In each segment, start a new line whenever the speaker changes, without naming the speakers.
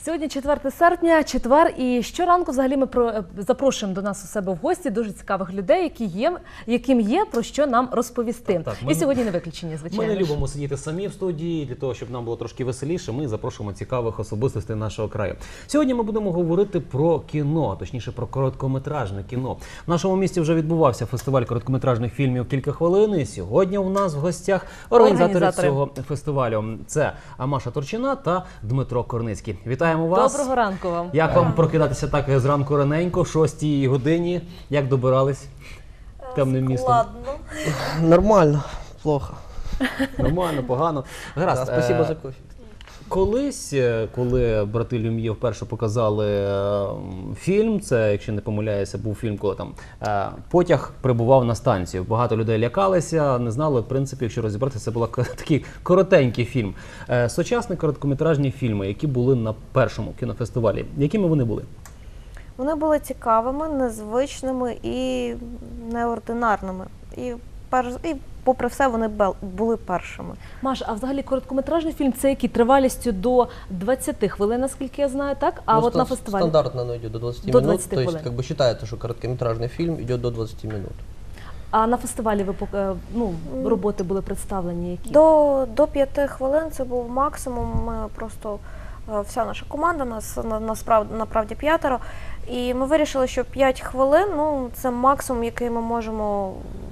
Сьогодні 4 серпня, четвер, і щоранку взагалі ми запрошуємо до нас у себе в гості дуже цікавих людей, яким є про що нам розповісти.
Так,
і сьогодні не виключення, звичайно.
Ми не любимо сидіти самі в студії, для того, щоб нам було трошки веселіше, ми запрошуємо цікавих особистостей нашого краю. Сьогодні ми будемо говорити про кіно, точніше про короткометражне кіно. В нашому місті вже відбувався фестиваль короткометражних фільмів «Кілька хвилин», і сьогодні у нас в гостях організатори цього фестивалю. Це Маша Турчина та Дмитро Корницький. Вітаємо вас.
Доброго ранку вам.
Як вам прокидатися так зранку раненько, в 6 годині? Як добирались темним містом?
Складно. Нормально, плохо.
Нормально, погано. Гаразд.
Спасибо за кофе.
Колись, коли брати Люм'є вперше показали фільм, це, якщо не помиляюся, був фільм, коли там потяг прибував на станцію. Багато людей лякалися, не знали, в принципі, якщо розібратися, це був такий коротенький фільм. Сучасні короткометражні фільми, які були на першому кінофестивалі, якими вони були?
Вони були цікавими, незвичними і неординарними. І попри все, вони були першими.
Маш, а взагалі короткометражний фільм – це який? Тривалістю до 20 хвилин, наскільки я знаю, так? А от на фестивалі?
Стандартно оно идет до 20
До
минут,
20
то есть
хвилин.
как бы считается, что короткометражный фильм идет до 20 минут.
А на фестивалі роботи були представлені які?
До 5 хвилин це був максимум. Ми просто, вся наша команда, нас направді 5, і ми вирішили, що 5 хвилин це максимум, який ми можемо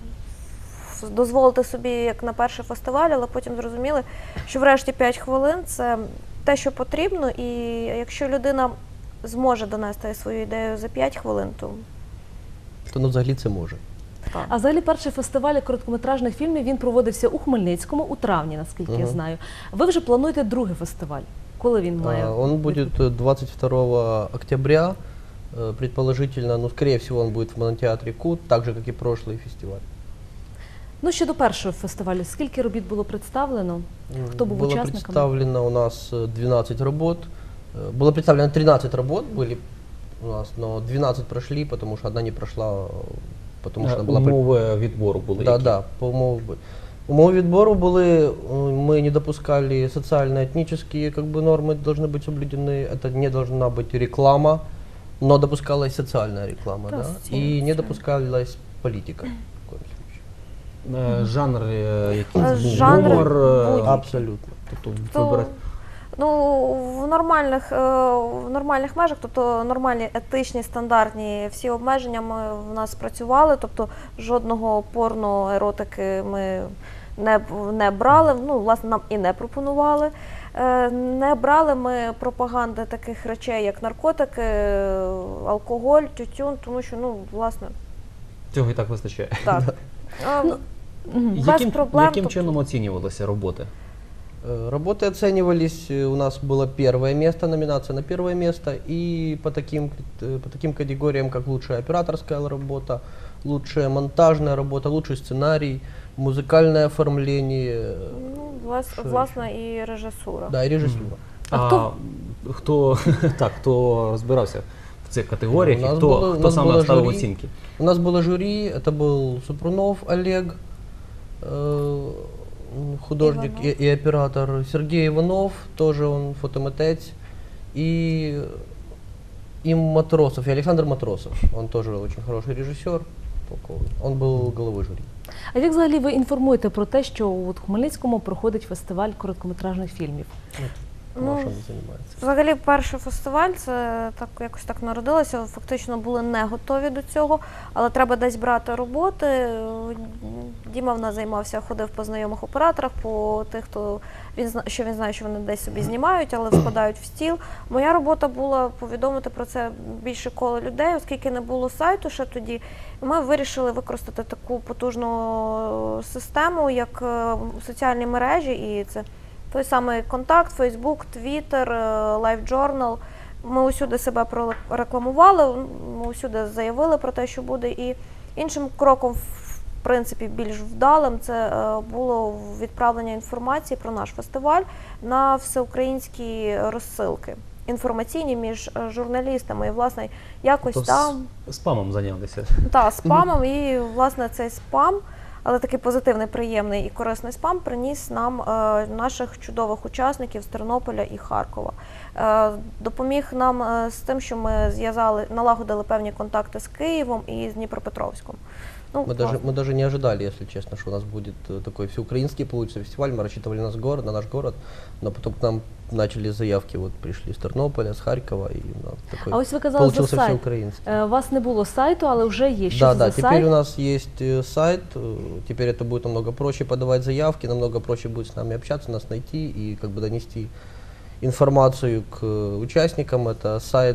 дозволити собі як на перший фестиваль, але потім зрозуміли, що врешті 5 хвилин – це те, що потрібно, і якщо людина зможе донести свою ідею за 5 хвилин, то
взагалі це може.
так.
А взагалі перший фестиваль короткометражних фільмів, він проводився у Хмельницькому у травні, наскільки я знаю. Ви вже плануєте другий фестиваль. Коли він має?
Он будет 22 октября, предположительно, скорее всего, он будет в монотеатре КУТ, так же, как и прошлый фестиваль.
Щодо першого фестивалю, скільки робіт було представлено? Хто був учасником?
Было представлено у нас 12 работ. Было представлено 13 работ были у нас, но 12 прошли, потому что одна не прошла, потому что она была...
Умови відбору були які?
Да, по умовам. Умовы відбору были, мы не допускали социально-этнические нормы должны быть соблюдены, это не должна быть реклама, но допускалась социальная реклама, да? И не допускалась политика.
Жанр якийсь був?
Жанр
Гумор?
будь-який.
Абсолютно.
Тобто вибирати?
В нормальних межах, тобто нормальні, етичні, стандартні всі обмеження в нас спрацювали, тобто жодного порно-еротики ми не брали, власне, нам і не пропонували. Не брали ми пропаганди таких речей, як наркотики, алкоголь, тютюн, тому що, власне,
Цього і так вистачає.
так. Без проблем.
Яким чином оцінювалися роботи?
Работы оценивались, у нас было первое место, номинация на первое место, и по таким категориям, как лучшая операторская работа, лучшая монтажная работа, лучший сценарий, музыкальное оформление.
Власне, і режисура.
Да, и режиссура.
Хто розбирався в цих категоріях і
у
хто
нас
саме
було
ставив
журі.
оцінки?
У нас было жюри, это был Супрунов Олег, художник и оператор, Сергей Иванов, тоже он фотомитець, и Матросов, и Александр Матросов, он тоже очень хороший режиссер, он был головой жюри.
А як взагалі ви інформуєте про те, що у Хмельницькому проходить фестиваль короткометражних фільмів?
Маша не займається.
Взагалі, перший фестиваль, це якось так народилося, фактично були не готові до цього, але треба десь брати роботи. Діма в нас займався, ходив по знайомих операторах, по тих, він знає, що вони десь собі знімають, але вкладають в стіл. Моя робота була повідомити про це більше коло людей, оскільки не було сайту ще тоді. Ми вирішили використати таку потужну систему, як соціальні мережі, і це той самий контакт, Фейсбук, Твіттер, LiveJournal. Ми усюди себе прорекламували, ми усюди заявили про те, що буде. І іншим кроком, в принципі, більш вдалим, це було відправлення інформації про наш фестиваль на всеукраїнські розсилки інформаційні між журналістами. І, власне, якось там...
Спамом зайнялися?
Так, спамом. І, власне, цей спам але такий позитивний, приємний і корисний спам приніс нам наших чудових учасників з Тернополя і Харкова. Допоміг нам з тим, що ми налагодили певні контакти з Києвом і з Дніпропетровськом. Ну,
Мы даже не ожидали, если честно, что у нас будет такой всеукраинский получится фестиваль. Мы рассчитывали на наш город, но потом к нам начали заявки, вот пришли с Тернополя, с Харькова, и у нас такой
А ось ви казали за
получился
сайт.
всеукраинский.
У вас не було сайту, але вже є. Що
Да,
це
да,
за
теперь
сайт?
у нас есть сайт, теперь это будет намного проще подавать заявки, намного проще будет с нами общаться, нас найти и как бы донести информацию к участникам. Это сайт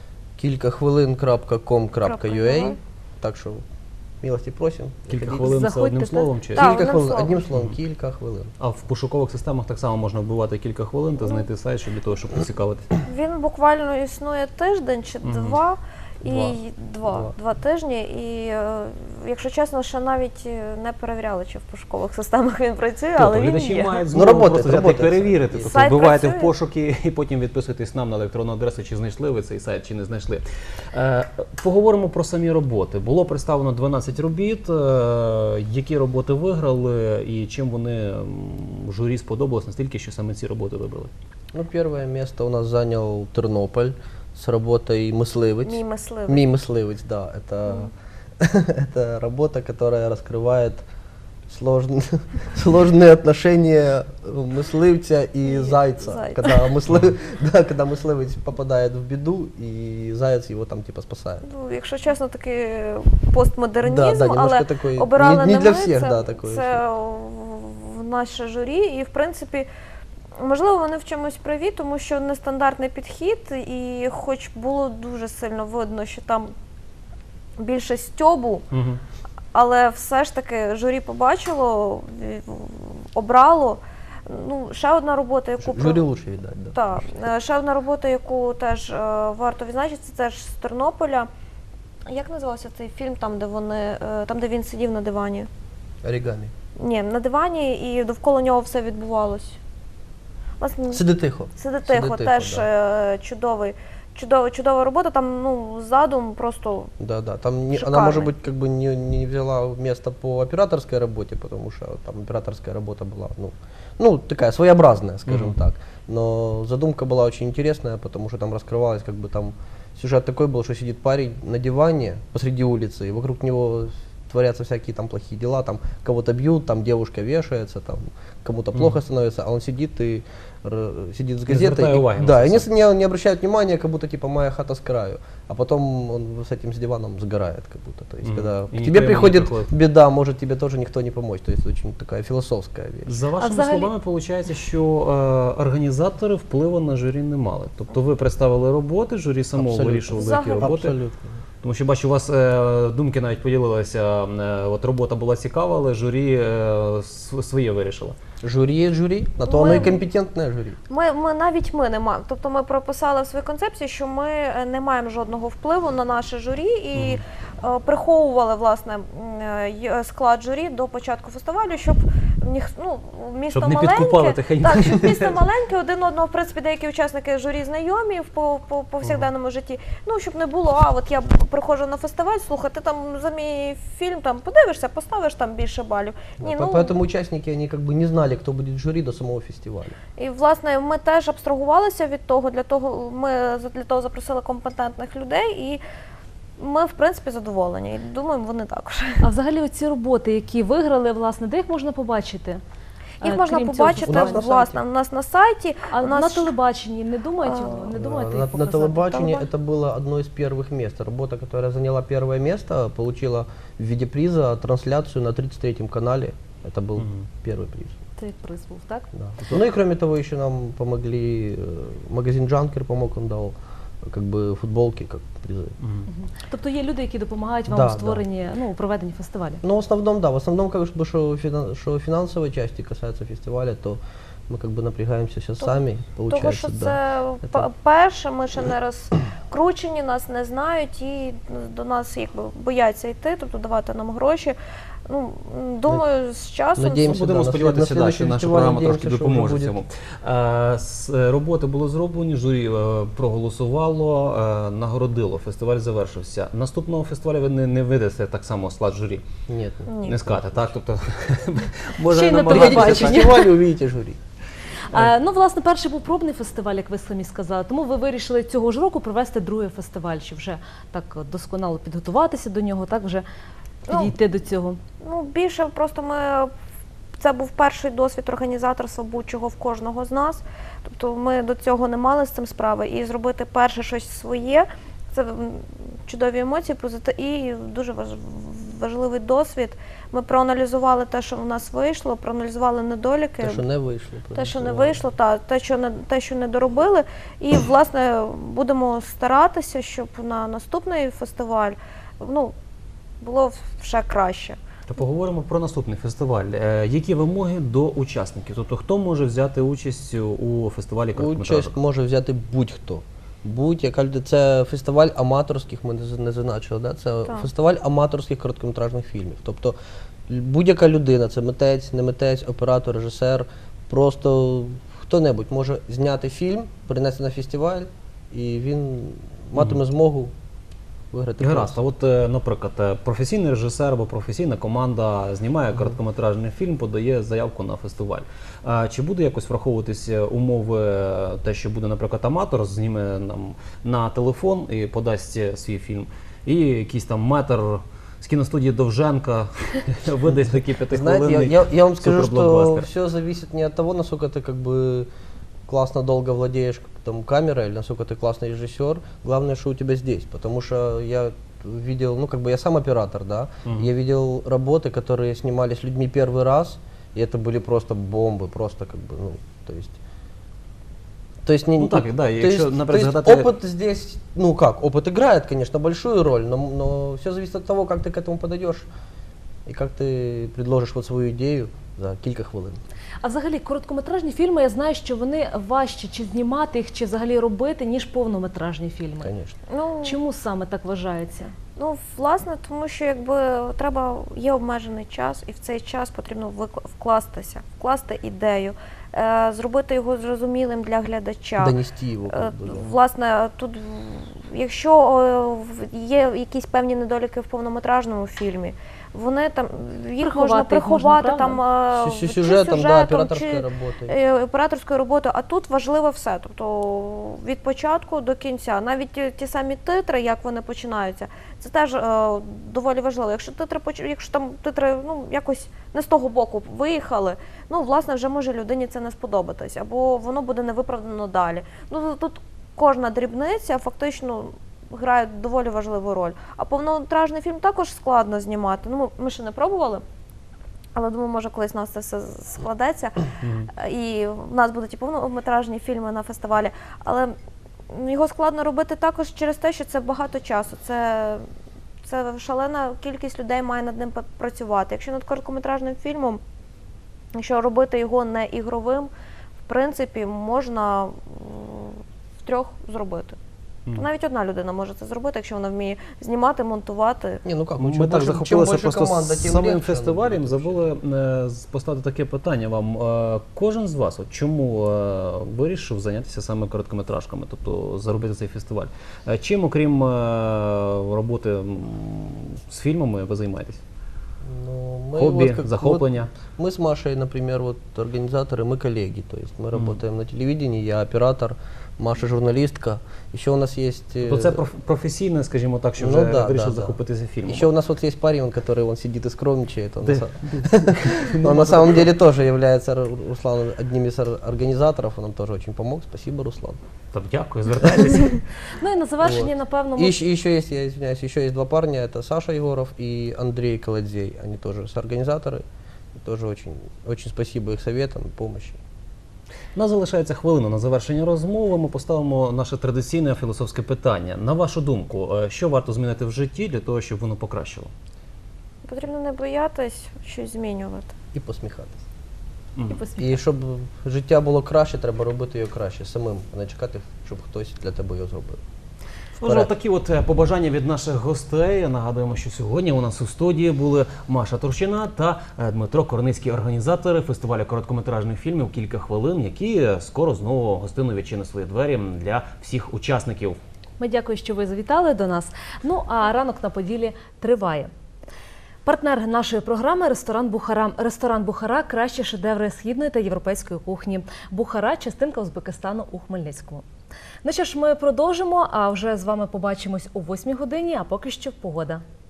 kilkahvilin.com.ua, так что милости просим.
Кілька
заходите.
хвилин це
Заходьте,
одним
так?
словом чи?
Так.
Кілька хвилин,
одним
одним
словом.
словом, кілька хвилин.
А в пошукових системах так само можна вбивати кілька хвилин та знайти сайт, щоб для того, щоб поцікавитися.
Він буквально існує тиждень чи
Мгм.
два.
Два.
Два тижні, і якщо чесно, ще навіть не перевіряли, чи в пошукових системах він працює, але він
глядачі
є.
мають
Ну,
змогу
работает,
просто взяти і
работает.
перевірити.
І
Тобто
сайт
вбиваєте в
працює?
пошуки і потім відписуєтесь нам на електронну адресу, чи знайшли ви цей сайт, чи не знайшли. Поговоримо про самі роботи. Було представлено 12 робіт. Які роботи виграли і чим вони журі сподобалось настільки, що саме ці роботи вибрали?
Ну, первое место у нас занял Тернополь с работой «Мысливець».
Мій мисливець.
Мій мисливець, да. Это, это работа, которая раскрывает сложные отношения мисливця и зайца.
Зайца.
Когда мисливець попадает в беду, и заяц его там типа спасает.
Ну, якщо чесно, такий постмодернізм,
Да, да, немножко
але
такой,
обирали
не
не
для
ми,
всіх,
це,
да, такое.
це в наше журі, і в принципі, можливо, вони в чомусь праві, тому що нестандартний підхід, і хоч було дуже сильно видно, що там більше стьобу,
Угу.
але все ж таки журі побачило, обрало. Ну, ще одна робота, яку
Жюри лучше видать, да.
Так, ще одна робота, яку теж варто відзначити, це теж з Тернополя. Як називався цей фільм, там, де він сидів на дивані?
Оригамі.
Ні, на дивані, і довкола нього все відбувалось. Власне,
Сиди тихо.
«Сиди тихо», теж
да.
чудова робота, там задум просто
Да, да. Там она,
шикарный.
может быть, как бы не взяла место по операторской работе, потому что там операторская работа была, ну такая своеобразная, скажем
Мгм.
так. Но задумка была очень интересная, потому что там раскрывалась, как бы там сюжет такой был, что сидит парень на диване посреди улицы, и вокруг него творятся всякие там плохие дела, там кого-то бьют, там девушка вешается, там кому-то плохо становится, а он сидит и сидит с
Не звертая
газетой.
уваги на
Да,
це
и
все.
не обращают внимания, как будто типа моя хата с краю. А потом он с этим с диваном сгорает, как будто. То есть,
Мгм.
когда
И
к
никто
тебе
ему не
приходит
приходит.
беда, может тебе тоже никто не помочь. То есть очень такая философская вещь.
За вашими
взагалі-
словами, виходить, що організатори впливу на журі не мали. Тобто ви представили роботи, журі само
Абсолютно.
вирішували, які
Взагалі.
роботи.
Абсолютно.
Тому що бачу, у вас думки навіть поділилися. От робота була цікава, але журі своє вирішило.
Жюри есть жюри, на то
Мы-
оно и компетентное жюри.
навіть ми не маємо. Тобто ми прописали в своїй концепції, що ми не маємо жодного впливу на наше журі і приховували власне склад журі до початку фестивалю, щоб місто
Щоб не підкупали
маленьке,
тихенько.
так, щоб місто маленьке, один одного, в принципі, деякі учасники журі знайомі по повсякденному житті. Ну, щоб не було, от я приходжу на фестиваль, слухай, ти там за мій фільм там подивишся, поставиш там більше балів. Ні,
Поэтому участники, они как бы не знали, кто будет в жюри до самого фестиваля.
І власне ми теж абстрагувалися від того, для того запросили компетентних людей, і ми в принципі задоволені. І думаємо, вони також.
А взагалі ці роботи, які виграли, власне, де їх можна побачити?
Їх можна
Крім цього
побачити
У нас на
власне
сайті.
у нас на сайті.
А
у нас
на телебаченні не думаєте, не думаєте їх
На
показати?
телебачении это было одно из первых мест. Работа, которая заняла первое место, получила в виде приза трансляцию на 33-м канале. Это был
Мгм.
первый приз.
Це як приз був, так?
Да. Ну и кроме того, еще нам помогли, магазин Джанкер помог, он дал как бы футболки как призы.
Мгм.
Тобто є люди, які допомагають вам
Да,
у створенні, у проведенні фестивалю.
Но в основном, да, как бы, что финансовой части касается фестиваля, то мы как бы напрягаемся сейчас сами,
Того,
получается,
що
да.
це перше, ми ще не розкручені, нас не знають і до нас якби бояться йти, тобто давати нам гроші. Ну, думаю, з часом
надіємося,
Будемо
да, на
сподіватися,
слід-
да,
на
що
слідуючий
наша
фестиваль
програма
надіємося,
трошки
що вже
допоможе
буде.
цьому. Роботи були зроблені, журі проголосувало, нагородило, фестиваль завершився. Наступного фестивалю ви не видасте так само склад журі,
Нет.
Ні.
не скажете, так? Тобто,
Ще й на
намагатися,
Приходите на
телебачення.
так?
фестиваль и увидите жюри.
Ну, власне, перший був пробний фестиваль, як ви самі сказали. Тому ви вирішили цього ж року провести другий фестиваль, щоб вже так досконало підготуватися до нього, так вже підійти до цього.
Ну, більше просто це був перший досвід організаторства будь-чого в кожного з нас. Тобто ми до цього не мали з цим справи. І зробити перше щось своє – це чудові емоції і дуже важливий досвід. Ми проаналізували те, що в нас вийшло, проаналізували недоліки.
Те, що не вийшло.
Те, що не вийшло, те, що не доробили. І, власне, будемо старатися, щоб на наступний фестиваль було ще краще.
То поговоримо про наступний фестиваль. Які вимоги до учасників? Тобто, хто може взяти участь у фестивалі короткометражок?
Участь може взяти будь-хто. Будь-яка людина. Це фестиваль аматорських, ми не зазначили, да? Це
Так.
фестиваль аматорських короткометражних фільмів. Тобто будь-яка людина, це митець, не митець, оператор, режисер, просто хто-небудь може зняти фільм, принести на фестиваль, і він матиме змогу виграти
Гаразд,
приз.
а от, наприклад, професійний режисер або професійна команда знімає короткометражний фільм, подає заявку на фестиваль. Чи буде якось враховуватися умови, те, що буде, наприклад, аматор, зніме нам на телефон і подасть свій фільм, і якийсь там метр з кіностудії Довженка видасть такий п'ятихвилинний
Знаете, я вам скажу, что
суперблокбастер?
все зависит не от того, насколько ты как бы классно долго владеешь там, камерой, или насколько ты классный режиссер. Главное, что у тебя здесь. Потому что я видел, ну как бы я сам оператор, да, я видел работы, которые снимались людьми первый раз, и это были просто бомбы, просто как бы, ну, то есть не,
Ну так, да,
то
якщо,
есть,
наприклад,
то есть
згадати-
опыт здесь, ну как, опыт играет, конечно, большую роль, но все зависит от того, как ты к этому подойдешь и как ты предложишь вот свою идею за кілька хвилин.
А взагалі, короткометражні фільми, я знаю, що вони важче чи знімати їх, чи взагалі робити, ніж повнометражні фільми.
Конечно.
Ну,
Чому саме так вважається?
Ну, власне, тому що є обмежений час, і в цей час потрібно вкласти ідею, зробити його зрозумілим для глядача.
Донести його. Как бы, да.
Власне, тут, якщо є якісь певні недоліки в повнометражному фільмі, вони там їх можна
Приховати їх можна,
приховати
С
чи
сюжетом, да,
сюжетом,
операторской
чи
работой.
операторською роботою, а тут важливо все. Тобто від початку до кінця. Навіть ті самі титри, як вони починаються, це теж доволі важливо. Якщо там титри якось не з того боку виїхали, власне, вже може людині це не сподобатись, або воно буде невиправдано далі. Тут кожна дрібниця фактично грає доволі важливу роль. А повнометражний фільм також складно знімати. Ми ще не пробували, але думаю, може колись у нас це все складеться. І в нас будуть і повнометражні фільми на фестивалі. Але його складно робити також через те, що це багато часу. Це шалена кількість людей має над ним працювати. Якщо над короткометражним фільмом, якщо робити його не ігровим, в принципі, можна втрьох зробити. То навіть одна людина може це зробити, якщо вона вміє знімати, монтувати.
Не, ну как,
Ми так захопилися просто
тем
самим
легче
фестивалем,
будет
забули поставити таке питання вам. Кожен з вас, чому вирішив зайнятися саме короткометражками, тобто заробити цей фестиваль? Чим, окрім роботи з фільмами, ви займаєтесь?
Ну, мы
Хобі, захоплення?
Мы с Машей, например, организаторы, мы коллеги, то есть мы работаем на телевидении, я оператор, Маша журналистка. Еще у нас есть...
То це професійне, скажімо так, що
Ну
вже
да,
вирішив
да, да.
захопитися фільмом.
Еще у нас вот есть парень, который сидит и скромничает. Он,
Да.
он на самом деле тоже является, Руслан, одним из организаторов, он нам тоже очень помог. Спасибо, Руслан.
Так, дякую, звертайтеся.
Ну і на завершення,
Вот.
напевно,
И
ми...
еще есть, я извиняюсь, еще есть два парня, это Саша Егоров и Андрей Колодзей. Они тоже соорганизаторы. И тоже очень, очень спасибо их советам и помощи.
У нас залишається хвилина на завершення розмови. Ми поставимо наше традиційне філософське питання. На вашу думку, що варто змінити в житті для того, щоб воно покращило?
Потрібно не боятись щось змінювати.
І посміхатися.
І посміхатися.
І щоб життя було краще, треба робити його краще самим, а не чекати, щоб хтось для тебе його зробив.
Отже, такі от побажання від наших гостей. Нагадуємо, що сьогодні у нас у студії були Маша Турчина та Дмитро Корницький, організатори фестивалю короткометражних фільмів «Кілька хвилин», які скоро знову гостинно відчинять свої двері для всіх учасників.
Ми дякую, що ви завітали до нас. Ну, а ранок на Поділі триває. Партнер нашої програми – ресторан «Бухара». Ресторан «Бухара» – кращі шедеври східної та європейської кухні. «Бухара» – частинка Узбекистану у Хмельницькому. Ну що ж, ми продовжимо, а вже з вами побачимось о 8 годині, а поки що погода.